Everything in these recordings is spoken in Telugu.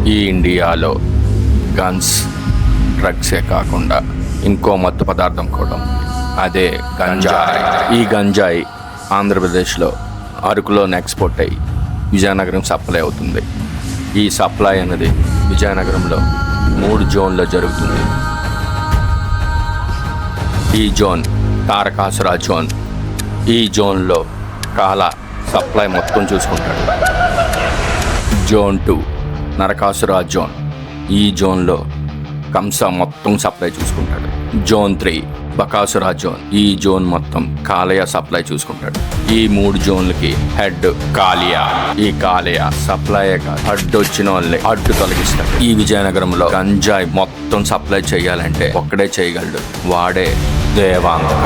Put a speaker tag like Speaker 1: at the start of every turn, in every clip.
Speaker 1: ఈ ఇండియాలో గన్స్ డ్రగ్సే కాకుండా ఇంకో మత్తు పదార్థం కూడా ఉంది. అదే గంజాయి. ఈ గంజాయి ఆంధ్రప్రదేశ్లో అరకులో ఎక్స్పోర్ట్ అయ్యి విజయనగరం సప్లై అవుతుంది. ఈ సప్లై అనేది విజయనగరంలో 3 జోన్లో జరుగుతుంది. ఈ జోన్ తారకాసుర జోన్. ఈ జోన్లో కాల సప్లై మొత్తం చూసుకుంటాడు. Zone 2 Narakasura zone. ఈ జోన్లో కంస మొత్తం సప్లై చూసుకుంటాడు. Zone 3 Bakasura zone. ఈ జోన్ మొత్తం కాలయ సప్లై చూసుకుంటాడు. ఈ 3 జోన్లకి హెడ్ కాలియా. ఈ కాలయ సప్లై అడ్డు వచ్చిన వాళ్ళే అడ్డు తొలగిస్తాడు. ఈ విజయనగరంలో గంజాయి మొత్తం సప్లై చేయాలంటే ఒక్కడే చేయగలడు, వాడే దేవాంగ.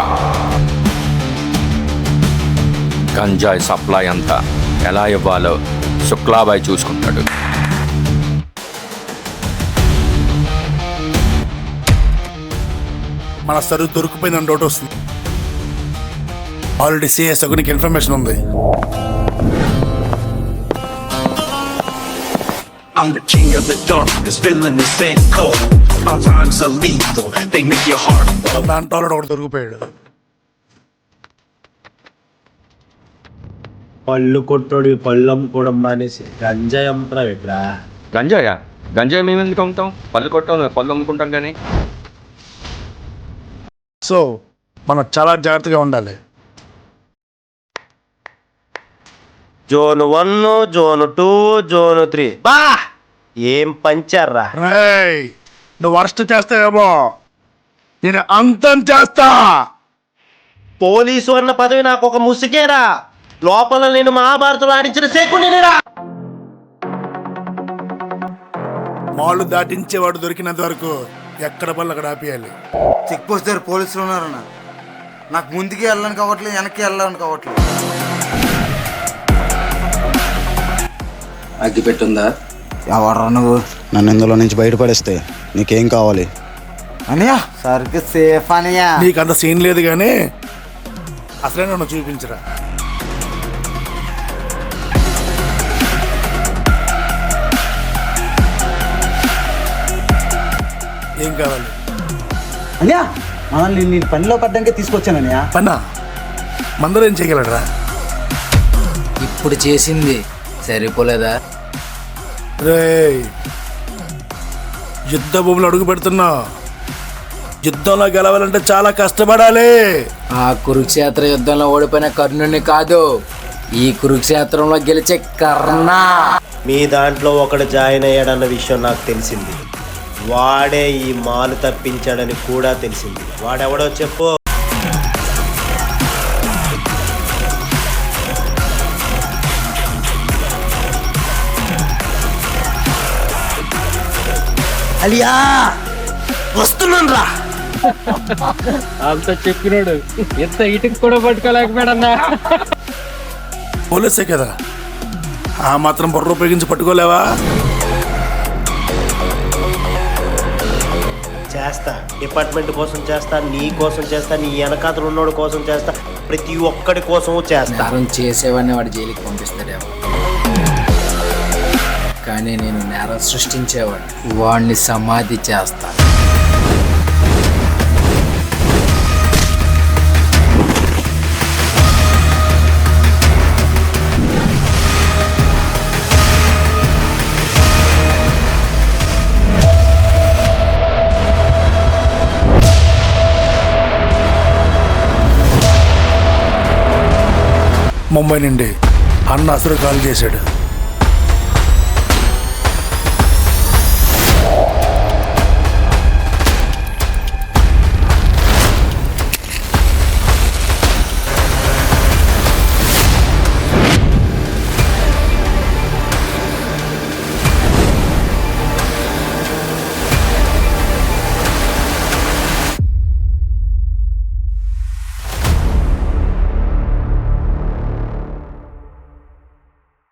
Speaker 1: గంజాయి సప్లై అంతా ఎలా ఇవ్వాలో శుక్లాబాయ్ చూసుకుంటాడు.
Speaker 2: మన సరుకు దొరికిపోయిందని డౌట్ వస్తుంది. ఆల్రెడీ సిఎస్ నీకు ఇన్ఫర్మేషన్ ఉంది.
Speaker 3: I'm the king of the darkness, feeling the same cold. My rhymes are lethal, they make your heart fall.
Speaker 2: దాంట్లో ఆల్రెడీ ఒకటి దొరికిపోయాడు.
Speaker 4: పళ్ళు కొట్టోడు పళ్ళు అమ్ముకోవడం మానేసి గంజాయి అమ్ముతున్నావు ఇక్కడ.
Speaker 1: గంజాయా? గంజాయి మేము ఎందుకు అమ్ముతాం? పళ్ళు కొట్టాం, పళ్ళు అమ్ముకుంటాం. కానీ
Speaker 2: సో మనం చాలా జాగ్రత్తగా ఉండాలి.
Speaker 4: జోన్ 1, జోన్ 2, జోన్ 3 బా ఏం పంచారా.
Speaker 2: రేయ్, నువ్వు వర్స్ట్ చేస్తావేమో, నేను అంతం చేస్తా.
Speaker 4: పోలీసు అన్న పదవి నాకు ఒక ముసుగేరా. లోపల నేను మహాభారతంలో ఆడించిన శకునిరా.
Speaker 2: మాళ్ళు దాటించేవాడు దొరికినంత వరకు ఎక్కడ పళ్ళు అక్కడ ఆపేయాలి.
Speaker 5: చెక్ పోస్ట్ దగ్గర పోలీసులు ఉన్నారన్న. నాకు ముందుకి వెళ్ళడానికి అవ్వట్లేదు, వెనక్కి వెళ్ళడానికి అవ్వట్లేదు.
Speaker 6: అగ్గి పెట్టుందా?
Speaker 5: ఎవడరా నువ్వు?
Speaker 6: నన్ను ఇందులో నుంచి బయటపడేస్తే నీకేం కావాలి?
Speaker 5: అనియా సరుకు సేఫ్ అనియా.
Speaker 2: నీకు అంత సీన్ లేదు కానీ అసలే నన్ను చూపించరా. ఏం కావాలి?
Speaker 6: అన్యా మనల్ని నేను పనిలో పడ్డాకే తీసుకొచ్చాను అన్యా.
Speaker 2: పన్నా మందరూ ఏం చేయగలరా?
Speaker 7: ఇప్పుడు చేసింది సరిపోలేదా?
Speaker 2: రేయ్, యుద్ధ భూములు అడుగు పెడుతున్నా. యుద్ధంలో గెలవాలంటే చాలా కష్టపడాలి.
Speaker 7: ఆ కురుక్షేత్ర యుద్ధంలో ఓడిపోయిన కర్ణుని కాదు, ఈ కురుక్షేత్రంలో గెలిచే కర్ణ.
Speaker 4: మీ దాంట్లో ఒకడు జాయిన్ అయ్యాడన్న విషయం నాకు తెలిసింది. వాడే ఈ మాలు తప్పించాడని కూడా తెలిసింది. వాడెవడో చెప్పు.
Speaker 5: అలియా వస్తున్నాను రా.
Speaker 8: అంత చెప్పినాడు ఎంత ఇటుకు కూడా పట్టుకోలేకపోయాడన్నా.
Speaker 2: పోలీసే కదా, ఆ మాత్రం బుర్ర ఉపయోగించి పట్టుకోలేవా?
Speaker 4: చేస్తా, డిపార్ట్మెంట్ కోసం చేస్తా, నీ కోసం చేస్తా, నీ వెనకాతలు ఉన్నోడు కోసం చేస్తా, ప్రతి ఒక్కడి కోసము చేస్తా.
Speaker 7: నేరం చేసేవాడిని వాడు జైలుకి పంపిస్తాడేమో, కానీ నేను నేరం సృష్టించేవాడిని, వాడిని సమాధి చేస్తా.
Speaker 2: ముంబై నుండి అన్న అసలు కాల్ చేశాడు.